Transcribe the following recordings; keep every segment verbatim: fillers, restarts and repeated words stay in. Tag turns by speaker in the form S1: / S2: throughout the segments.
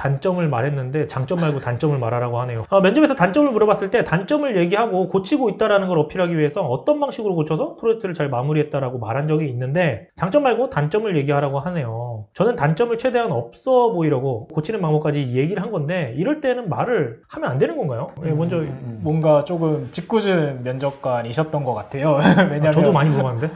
S1: 단점을 말했는데 장점 말고 단점을 말하라고 하네요. 아, 면접에서 단점을 물어봤을 때 단점을 얘기하고 고치고 있다는 걸 어필하기 위해서 어떤 방식으로 고쳐서 프로젝트를 잘 마무리했다라고 말한 적이 있는데 장점 말고 단점을 얘기하라고 하네요. 저는 단점을 최대한 없어 보이려고 고치는 방법까지 얘기를 한 건데 이럴 때는 말을 하면 안 되는 건가요? 네, 먼저
S2: 음, 뭔가 조금 짓궂은 면접관이셨던 것 같아요. 왜냐면
S1: 아, 저도 많이 물어봤는데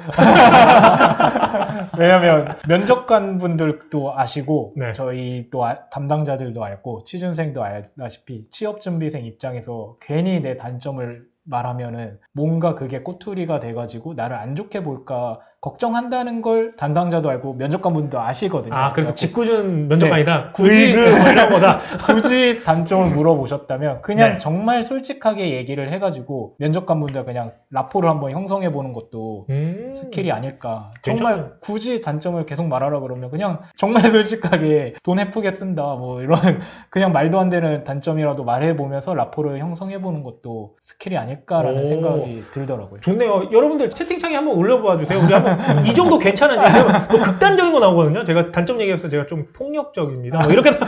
S2: 왜냐면 면접관 분들도 아시고
S1: 네.
S2: 저희 또 아, 담당자들도 알고 취준생도 알다시피 취업준비생 입장에서 괜히 내 단점을 말하면은 뭔가 그게 꼬투리가 돼가지고 나를 안 좋게 볼까 걱정한다는 걸 담당자도 알고 면접관 분도 아시거든요.
S1: 아 그래서 짓궂은 면접관이다.
S2: 네, 굳이
S1: 으이그 뭐 이런 거다.
S2: 굳이 단점을 물어보셨다면 그냥
S1: 네.
S2: 정말 솔직하게 얘기를 해가지고 면접관 분들 그냥 라포를 한번 형성해 보는 것도
S1: 음...
S2: 스킬이 아닐까.
S1: 괜찮아요.
S2: 정말 굳이 단점을 계속 말하라 그러면 그냥 정말 솔직하게 돈 예쁘게 쓴다 뭐 이런 그냥 말도 안 되는 단점이라도 말해보면서 라포를 형성해 보는 것도 스킬이 아닐까라는
S1: 오.
S2: 생각이 들더라고요.
S1: 좋네요. 여러분들 채팅창에 한번 올려봐 주세요. 우리 한번 이 정도 괜찮은지 뭐 극단적인 거 나오거든요. 제가 단점 얘기해서 제가 좀 폭력적입니다. 뭐 이렇게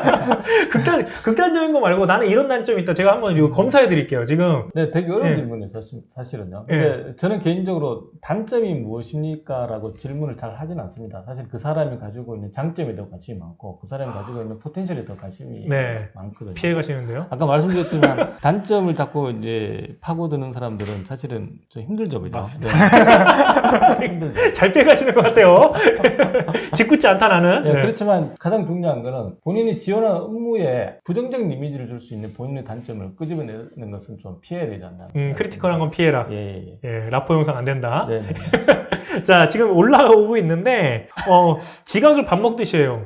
S1: 극단 극단적인 거 말고 나는 이런 단점이 있다. 제가 한번 이거 검사해 드릴게요. 지금
S3: 네, 되게 어려운
S1: 예.
S3: 질문이에요, 사실, 사실은요.
S1: 예.
S3: 근데 저는 개인적으로 단점이 무엇입니까? 라고 질문을 잘 하진 않습니다. 사실 그 사람이 가지고 있는 장점에 더 관심이 많고, 그 사람이 가지고 있는 포텐셜에 더 관심이
S1: 네.
S3: 많거든요.
S1: 피해 가시는데요.
S3: 아까 말씀드렸지만, 단점을 자꾸 이제 파고드는 사람들은 사실은 좀 힘들죠, 그죠?
S2: 맞습니다.
S3: 네. 힘들죠.
S1: 잘 피해 가시는 것 같아요. 짓궂지 않다 나는.
S3: 네,
S1: 네.
S3: 그렇지만 가장 중요한 거는 본인이 지원한 업무에 부정적인 이미지를 줄 수 있는 본인의 단점을 끄집어내는 것은 좀 피해야 되지 않나.
S1: 음, 크리티컬한 건 피해라.
S3: 예, 예, 예.
S1: 예, 라포 영상 안 된다.
S3: 네, 네.
S1: 자, 지금 올라오고 있는데, 어, 지각을 밥 먹듯이 해요.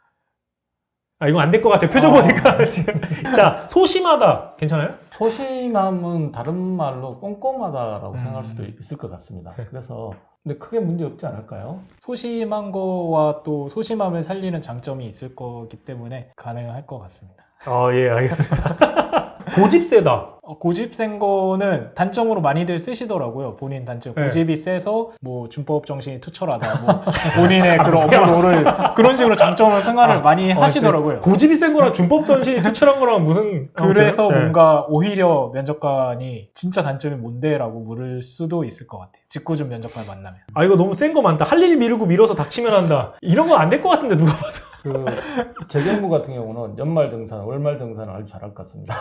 S1: 아, 이건 안 될 것 같아요. 표정
S3: 아.
S1: 보니까 지금. 자, 소심하다. 괜찮아요?
S3: 소심함은 다른 말로 꼼꼼하다라고
S2: 음.
S3: 생각할 수도 있을 것 같습니다.
S1: 네.
S3: 그래서 근데 크게 문제 없지 않을까요?
S2: 소심한 거와 또 소심함을 살리는 장점이 있을 거기 때문에 가능할 것 같습니다.
S1: 어, 예, 알겠습니다. 고집 세다.
S2: 어, 고집 센 거는 단점으로 많이들 쓰시더라고요. 본인 단점.
S1: 네.
S2: 고집이 세서 뭐 준법 정신이 투철하다. 뭐 본인의 그런 업무를 그런 식으로 장점을 승화를
S1: 아,
S2: 많이
S1: 어,
S2: 하시더라고요.
S1: 고집이 센 거랑 준법 전신이 투철한 거랑 무슨.
S2: 그래서
S1: 아무튼, 네.
S2: 뭔가 오히려 면접관이 진짜 단점이 뭔데? 라고 물을 수도 있을 것 같아요. 짓궂은 면접관 만나면.
S1: 아, 이거 너무 센 거 많다. 할 일 미루고 밀어서 닥치면 한다. 이런 거 안 될 것 같은데, 누가 봐도.
S3: 그 재경무 같은 경우는 연말 정산, 월말 정산을 아주 잘할 것 같습니다.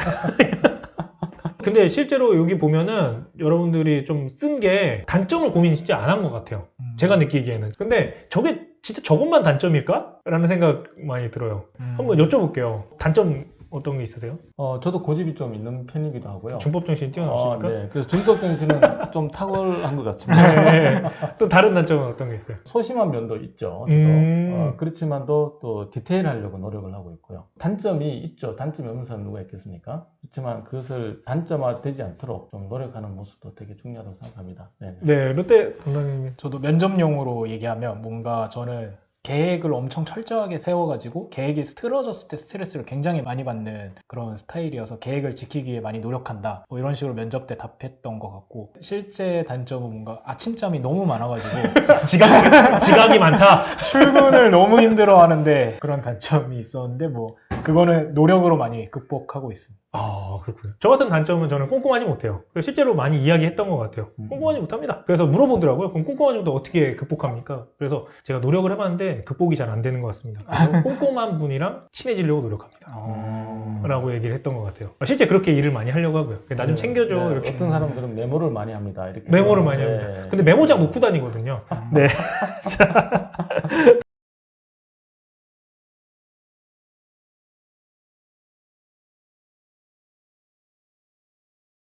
S1: 근데 실제로 여기 보면은 여러분들이 좀 쓴 게 단점을 고민 진짜 안 한 것 같아요.
S2: 음.
S1: 제가 느끼기에는. 근데 저게 진짜 저것만 단점일까? 라는 생각 많이 들어요.
S2: 음.
S1: 한번 여쭤볼게요. 단점 어떤 게 있으세요?
S3: 어, 저도 고집이 좀 있는 편이기도 하고요.
S1: 준법 정신이
S3: 어,
S1: 뛰어나십니까?
S3: 네. 그래서 준법 정신은 좀 탁월한 것 같습니다.
S1: 네. 또 다른 단점은 어떤 게 있어요?
S3: 소심한 면도 있죠. 저도.
S1: 음.
S3: 어, 그렇지만도 또 디테일하려고 노력을 하고 있고요. 단점이 있죠. 단점이 없는 사람 누가 있겠습니까? 그렇지만 그것을 단점화되지 않도록 좀 노력하는 모습도 되게 중요하다고 생각합니다. 네네.
S1: 네, 롯데 담당님.
S2: 저도 면접용으로 얘기하면 뭔가 저는 계획을 엄청 철저하게 세워가지고 계획이 틀어졌을 때 스트레스를 굉장히 많이 받는 그런 스타일이어서 계획을 지키기 위해 많이 노력한다 뭐 이런 식으로 면접 때 답했던 것 같고 실제 단점은 뭔가 아침잠이 너무 많아가지고
S1: 지각, 지각이 많다.
S2: 출근을 너무 힘들어하는데 그런 단점이 있었는데 뭐 그거는 노력으로 많이 극복하고 있습니다.
S1: 아, 그렇군요. 저 같은 단점은 저는 꼼꼼하지 못해요. 그래서 실제로 많이 이야기했던 것 같아요.
S3: 음.
S1: 꼼꼼하지 못합니다. 그래서 물어보더라고요. 그럼 꼼꼼하지 못해 어떻게 극복합니까? 그래서 제가 노력을 해봤는데 극복이 잘 안 되는 것 같습니다. 그래서 꼼꼼한 분이랑 친해지려고 노력합니다.
S2: 어...
S1: 라고 얘기를 했던 것 같아요. 실제 그렇게 일을 많이 하려고 하고요. 나 좀
S3: 네,
S1: 챙겨줘.
S3: 네,
S1: 이렇게.
S3: 어떤 사람들은 메모를 많이 합니다. 이렇게
S1: 메모를 많이
S3: 네.
S1: 합니다. 근데 메모장 놓고 다니거든요. 네. 자.